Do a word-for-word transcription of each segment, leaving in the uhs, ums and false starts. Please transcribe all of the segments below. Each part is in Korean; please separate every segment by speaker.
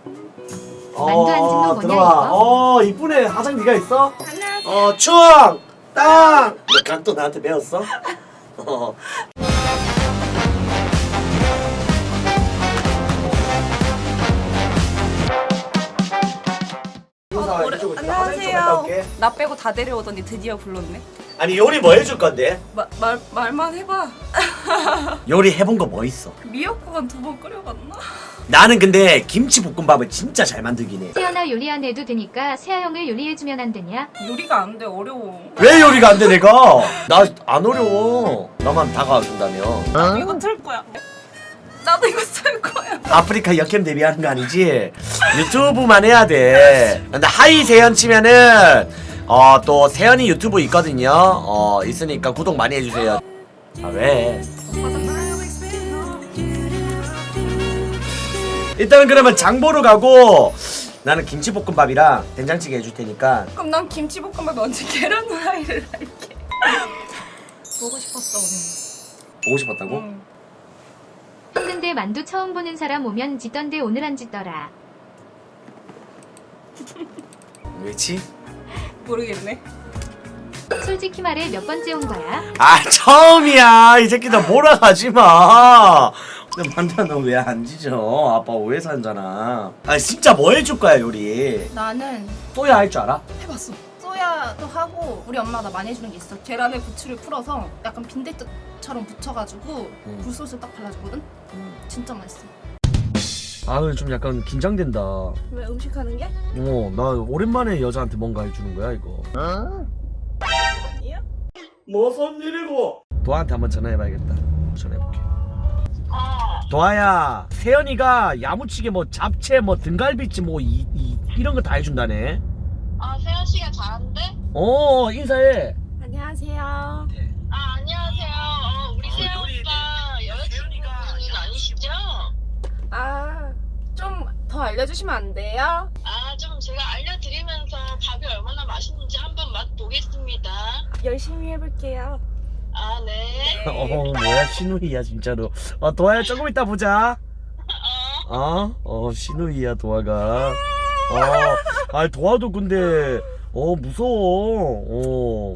Speaker 1: 만두 안 짓는 거냐
Speaker 2: 들어와.
Speaker 1: 이거?
Speaker 2: 어 이쁘네. 화장 네가 있어?
Speaker 3: 안녕하세요.
Speaker 2: 어 추억 땅. 각도 나한테 배웠어? 어.
Speaker 3: 어, 오래- 안녕하세요. 나 빼고 다 데려오더니 드디어 불렀네.
Speaker 2: 아니 요리 뭐 해줄 건데?
Speaker 3: 마, 말 말만 해봐.
Speaker 2: 요리 해본 거 뭐 있어?
Speaker 3: 미역국은 두 번 끓여봤나?
Speaker 2: 나는 근데 김치볶음밥을 진짜 잘 만들긴 해.
Speaker 1: 태연아 요리 안 해도 되니까 세아 형을 요리해주면 안 되냐?
Speaker 3: 요리가 안 돼, 어려워.
Speaker 2: 왜 요리가 안 돼 내가? 나 안 어려워. 나만 다가와 준다면.
Speaker 3: 나도 이거 틀 거야. 나도 이거 쓸 거야.
Speaker 2: 아프리카 역캠 데뷔하는 거 아니지? 유튜브만 해야 돼. 근데 하이 세연 치면은 어 또 세연이 유튜브 있거든요. 어 있으니까 구독 많이 해주세요. 아 왜? 일단은 그러면 장 보러 가고 나는 김치볶음밥이랑 된장찌개 해줄 테니까.
Speaker 3: 그럼 난 김치볶음밥 언제 계란 후라이를 할게. 보고 싶었어 오늘.
Speaker 2: 보고 싶었다고?
Speaker 3: 응.
Speaker 1: 형 근데 만두 처음 보는 사람 오면 짓던데 오늘 안 짓더라.
Speaker 2: 왜지?
Speaker 3: 모르겠네.
Speaker 1: 솔직히 말해 몇 번째 온 거야?
Speaker 2: 아 처음이야. 이 새끼들 몰아가지 마. 근데 만두야 너 왜 안 지져? 아빠 오해 산잖아. 아 진짜 뭐 해줄 거야 요리?
Speaker 3: 나는
Speaker 2: 또야 할 줄 알아?
Speaker 3: 해봤어. 소야도 하고 우리 엄마가 나 많이 해주는 게 있어. 계란에 부추를 풀어서 약간 빈대떡처럼 붙여가지고
Speaker 2: 음.
Speaker 3: 굴소스 딱 발라주거든. 진짜 맛있어.
Speaker 2: 아 근데 좀 약간 긴장된다. 어,
Speaker 3: 왜 음식하는 게?
Speaker 2: 나 오랜만에 여자한테 뭔가 해주는 거야 이거.
Speaker 3: 아니야?
Speaker 2: 무슨 일이고? 도아한테 한번 전화해봐야겠다. 전화해볼게. 도아야, 세연이가 야무치게 뭐 잡채, 뭐 등갈비찜, 뭐 이, 이, 이런 거 다 해준다네.
Speaker 4: 아, 세연 씨가 잘하는데?
Speaker 2: 어, 인사해.
Speaker 3: 안녕하세요.
Speaker 4: 아, 안녕하세요. 어, 우리 세연 오빠 여자친구는 아니시죠?
Speaker 3: 아, 좀 더 알려주시면 안 돼요?
Speaker 4: 아, 좀 제가 알려드리면서 밥이 얼마나 맛있는지 한번 맛보겠습니다.
Speaker 3: 열심히 해볼게요.
Speaker 4: 아, 네.
Speaker 2: 어, 뭐야, 신우이야, 진짜로. 어, 도아야, 조금 이따 보자. 어? 어, 신우이야, 도아가. 어, 아, 도아도 근데, 어, 무서워. 어.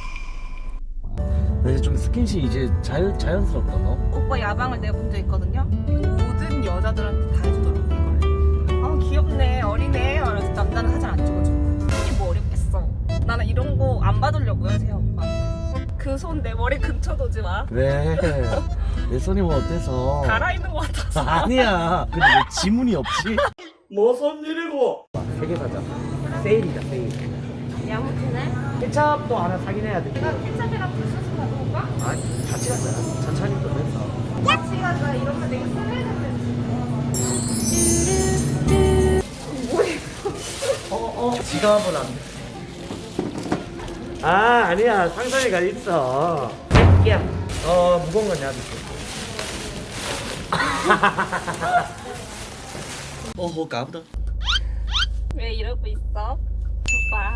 Speaker 2: 근데 좀 스킨십 이제 자연, 자연스럽다, 너?
Speaker 3: 오빠 야방을 내본 적 있거든요? 모든 여자들한테 다 해주더라고 이걸. 아 귀엽네 어리네 그래서 남자는 사진 안 찍어줘. 이게 뭐 어렵겠어. 나는 이런 거 안 받으려고요 세연 오빠. 그 손 내 머리 근처 오지 마.
Speaker 2: 왜? 내 손이 뭐 어때서?
Speaker 3: 갈아입는 거 같아서.
Speaker 2: 아니야. 근데 왜 지문이 없지? 무슨 일이고? 세 개 사자. 세일이다, 세일.
Speaker 3: 야무지네.
Speaker 2: 케찹도 하나 사긴 해야 돼.
Speaker 3: 내가 케찹이랑 굴소스 가져올까?
Speaker 2: 아니, 같이 가자. 천천히 또 해서.
Speaker 3: 같이 가자. 이러면 내가 설레는데.
Speaker 2: 어, 어. 지갑은 안 돼. 아, 아니야. 상상이가 있어. 야, 어, 무거운 건 내가 줄게. 어허, 까부다.
Speaker 3: 왜 이러고 있어? 오빠.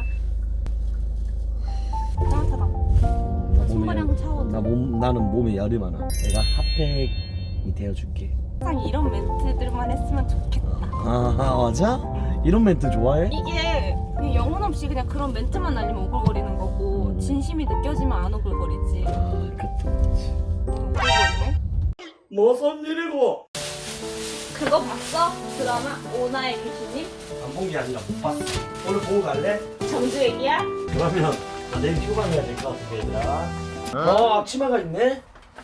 Speaker 3: 따뜻하다. 손바닥 차오르.
Speaker 2: 나 몸, 나는 몸에 열이 많아. 내가 핫팩이 되어줄게.
Speaker 3: 항상 이런 멘트들만 했으면 좋겠다.
Speaker 2: 아, 맞아? 이런 멘트 좋아해?
Speaker 3: 이게 그냥 영혼 없이 그냥 그런 멘트만 날리면 오글거리는 거고
Speaker 2: 음.
Speaker 3: 진심이 느껴지면 안 오글거리지.
Speaker 2: 아, 그것도 그렇지.
Speaker 3: 응, 오글거리네.
Speaker 2: 무슨 일이고?
Speaker 3: 그거 봤어? 드라마 오나의 귀신님?
Speaker 2: 안 본 게 아니라 못 봤어. 오늘 보고 갈래?
Speaker 3: 정주 얘기야?
Speaker 2: 그러면 나 내일 휴가 가야 될 것 같아, 얘들아. 어, 앞치마가 있네?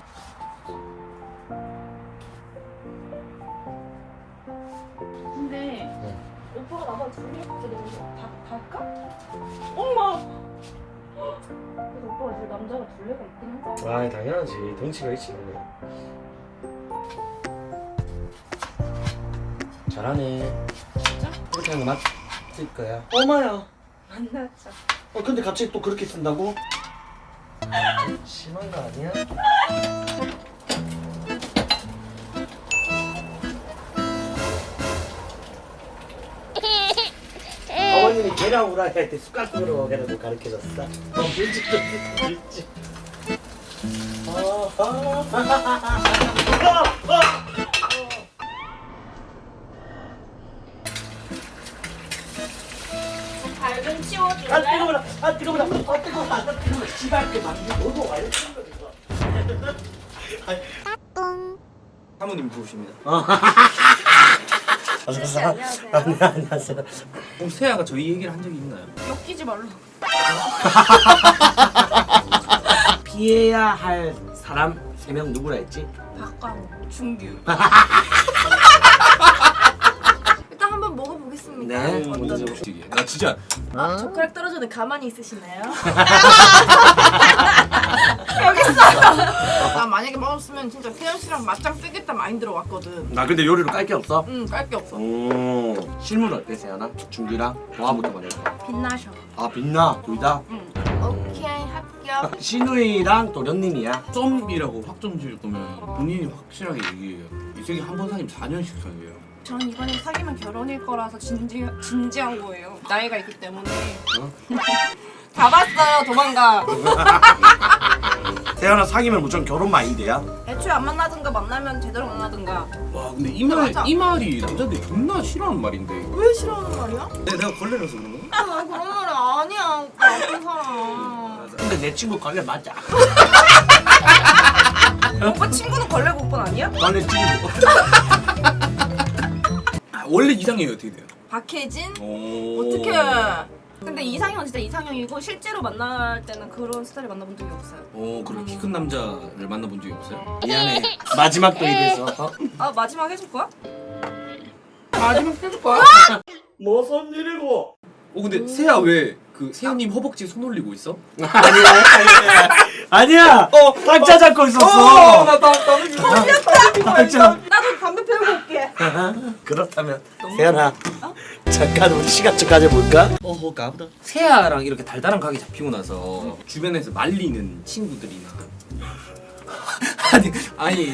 Speaker 3: 근데 오빠가 나보다 둘이 없거든. 가, 갈까? 엄마! 그래서 오빠가 이제 남자가 둘레가 있긴 하잖아.
Speaker 2: 아, 당연하지. 덩치가 있지. 잘하네.
Speaker 3: 진짜?
Speaker 2: 그렇게 하는 거 맞을 거야. 엄마야.
Speaker 3: 만나자.
Speaker 2: 어, 근데 갑자기 또 그렇게 쓴다고? 심한 거 아니야? 어머님이 계란 후라이 할 때 숟가락으로 계란을 가르쳐줬어. 어, 밀집도 밀집. 어, 어. 어, 어.
Speaker 3: 좀 치워줄래?
Speaker 2: 아 뜨거워라 아 뜨거워라 아 뜨거워라 아 뜨거워라 씨발 그 만두 너도 와야
Speaker 5: 사모님 부르십니다.
Speaker 2: 안녕하세요. 안녕하세요.
Speaker 5: 혹시 세아가 저희 얘기를 한 적이 있나요?
Speaker 3: 엮이지 말라.
Speaker 2: 피해야 할 사람 세 명 누구라 했지?
Speaker 3: 박광호, 준규. 일단 한번 먹어보겠습니다.
Speaker 2: 네.
Speaker 5: 먼저 보시기. 나 진짜
Speaker 3: 아, 젓가락 떨어져도 가만히 있으시나요? 나 만약에 먹었으면 진짜 세연 씨랑 맞짱 뜨겠다 마인드로 왔거든.
Speaker 2: 나 근데 요리로 깔 게 없어?
Speaker 3: 응, 깔 게 없어.
Speaker 2: 오 실물 어때 세연아? 준규랑 도화부터 말해.
Speaker 3: 빛나셔.
Speaker 2: 아 빛나 둘 다?
Speaker 3: 응. 오케이, 합격.
Speaker 2: 신우이랑 도련님이야.
Speaker 5: 점이라고 확정 지을 거면 본인이 확실하게 얘기해요. 이 세계 한 번 사귀면 사 년씩 사귀어요.
Speaker 3: 전 이번에 사귀면 결혼일 거라서 진지, 진지한 거예요. 나이가 있기 때문에.
Speaker 2: 어?
Speaker 3: 다 봤어요, 도망가.
Speaker 2: 세연아 사귀면 무조건 결혼 마인드야?
Speaker 3: 애초에 안 만나든가 만나면 제대로 만나든가.
Speaker 5: 와 근데 이 말
Speaker 3: 맞아.
Speaker 5: 이 말이 남자들이 존나 싫어하는 말인데.
Speaker 3: 왜 싫어하는 말이야?
Speaker 5: 내, 내가 걸레라서 그런 거?
Speaker 3: 아, 나 그런 말 아니야. 오빠 나쁜 사람.
Speaker 2: 근데 내 친구 걸레 맞아.
Speaker 3: 오빠 친구는 걸레 오빠 아니야?
Speaker 2: 걸레 친구.
Speaker 5: 아, 원래 이상형이 어떻게 돼요?
Speaker 3: 박혜진?
Speaker 5: 오.
Speaker 3: 어떡해. 근데 이상형 진짜 이상형이고 실제로 만날 때는 그런 스타일 만나본 적이 없어요.
Speaker 5: 어 그럼 키 큰 남자를 만나본 적이 없어요?
Speaker 2: 미안해. 마지막 또 입에서. 어?
Speaker 3: 아 마지막 해줄 거야? 마지막 해줄 거야?
Speaker 2: 무슨 일이고?
Speaker 5: 어 근데 세아 왜 그 세아님 허벅지 손 올리고 있어?
Speaker 2: 아니야 아니야. 아니야. 어 박자 잡고 있었어.
Speaker 5: 나나
Speaker 2: 박자.
Speaker 3: 나도 담배 피우고 올게.
Speaker 2: 그렇다면 세연아 잠깐 우리 시간 좀 가져볼까?
Speaker 5: 어허 까부다. 세아랑 이렇게 달달한 각이 잡히고 나서 주변에서 말리는 친구들이나 아니 아니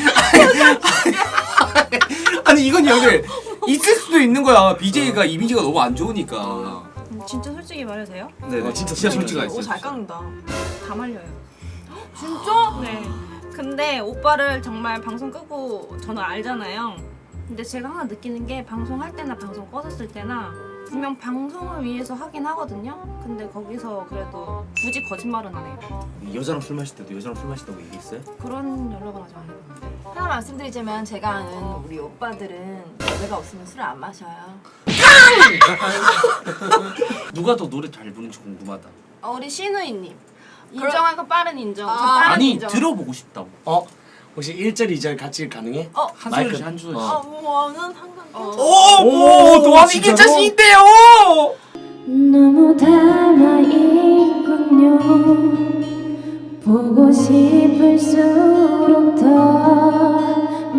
Speaker 5: 아니 이건 여기 있을 수도 있는 거야. 비제이가 이미지가 너무 안 좋으니까.
Speaker 3: 진짜 솔직히 말해도 돼요?
Speaker 5: 네,
Speaker 2: 어, 진짜
Speaker 5: 진짜
Speaker 2: 솔직히
Speaker 5: 솔직하게
Speaker 3: 오 잘
Speaker 5: 있어요.
Speaker 3: 깎는다. 다 말려요. 진짜? 네. 근데 오빠를 정말 방송 끄고 저는 알잖아요. 근데 제가 항상 느끼는 게 방송할 때나 방송 꺼졌을 때나 분명 방송을 위해서 하긴 하거든요. 근데 거기서 그래도 굳이 거짓말은 안 해요.
Speaker 5: 여자랑 술 마실 때도 여자랑 술 마신다고 얘기했어요?
Speaker 3: 그런 연락은 아직 안 해봤는데.
Speaker 6: 하나 말씀드리자면 제가 아는 우리 오빠들은 여자가 없으면 술을 안 마셔요.
Speaker 5: 누가 더 노래 잘 부르는지 궁금하다.
Speaker 3: 어, 우리 신우이님. 인정하고 빠른 인정. 저
Speaker 6: 아,
Speaker 3: 빠른
Speaker 5: 아니
Speaker 3: 인정.
Speaker 5: 들어보고 싶다고.
Speaker 2: 어 혹시 일 절 이 절 같이 가능해?
Speaker 3: 어,
Speaker 5: 한
Speaker 2: 마이크.
Speaker 5: 소절씩 한 소절씩.
Speaker 2: 어.
Speaker 3: 뭐는 상관. 어.
Speaker 5: 오, 도함이
Speaker 2: 진짜로?
Speaker 5: 자신 있대요.
Speaker 7: 너무 닮아있군요. 보고 싶을수록 더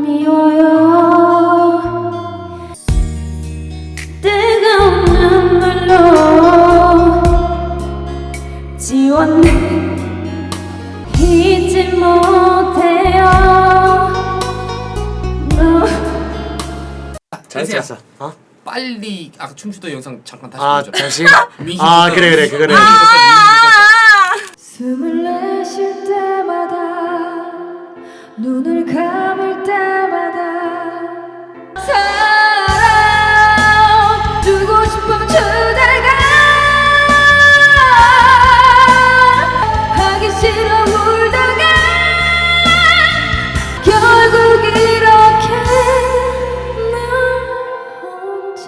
Speaker 7: 미워요. 뜨거운 눈물로 지웠네. 잊지 못해요. 너
Speaker 2: 잘했어. 어?
Speaker 5: 빨리 아까 춤추던 영상 잠깐 다시
Speaker 2: 아
Speaker 5: 보자.
Speaker 2: 다시. 아 그래 그래 그거는.
Speaker 7: 숨을 내쉴 때마다 눈을 감을 때마다 사랑 두고 싶으면 주다가 하기 싫어 울다가 결국 이렇게 나 혼자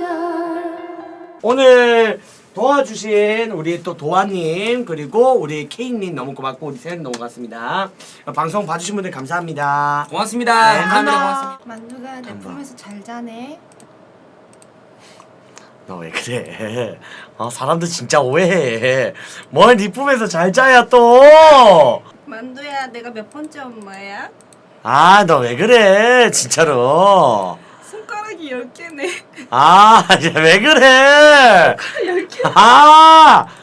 Speaker 2: 오늘 도와주신 우리 또 도아님 그리고 우리 케이님 너무 고맙고 우리 세연 너무 고맙습니다. 방송 봐주신 분들 감사합니다.
Speaker 5: 고맙습니다.
Speaker 2: 네,
Speaker 5: 감사합니다.
Speaker 2: 감사합니다.
Speaker 5: 고맙습니다.
Speaker 3: 만두가 내 품에서 잘 자네.
Speaker 2: 너 왜 그래? 어 사람들 진짜 오해해. 뭘 네 품에서 잘 자야 또?
Speaker 3: 만두야, 내가 몇 번째 엄마야?
Speaker 2: 아 너 왜 그래 진짜로?
Speaker 3: 손가락이 열 개네.
Speaker 2: 아 왜 그래? 아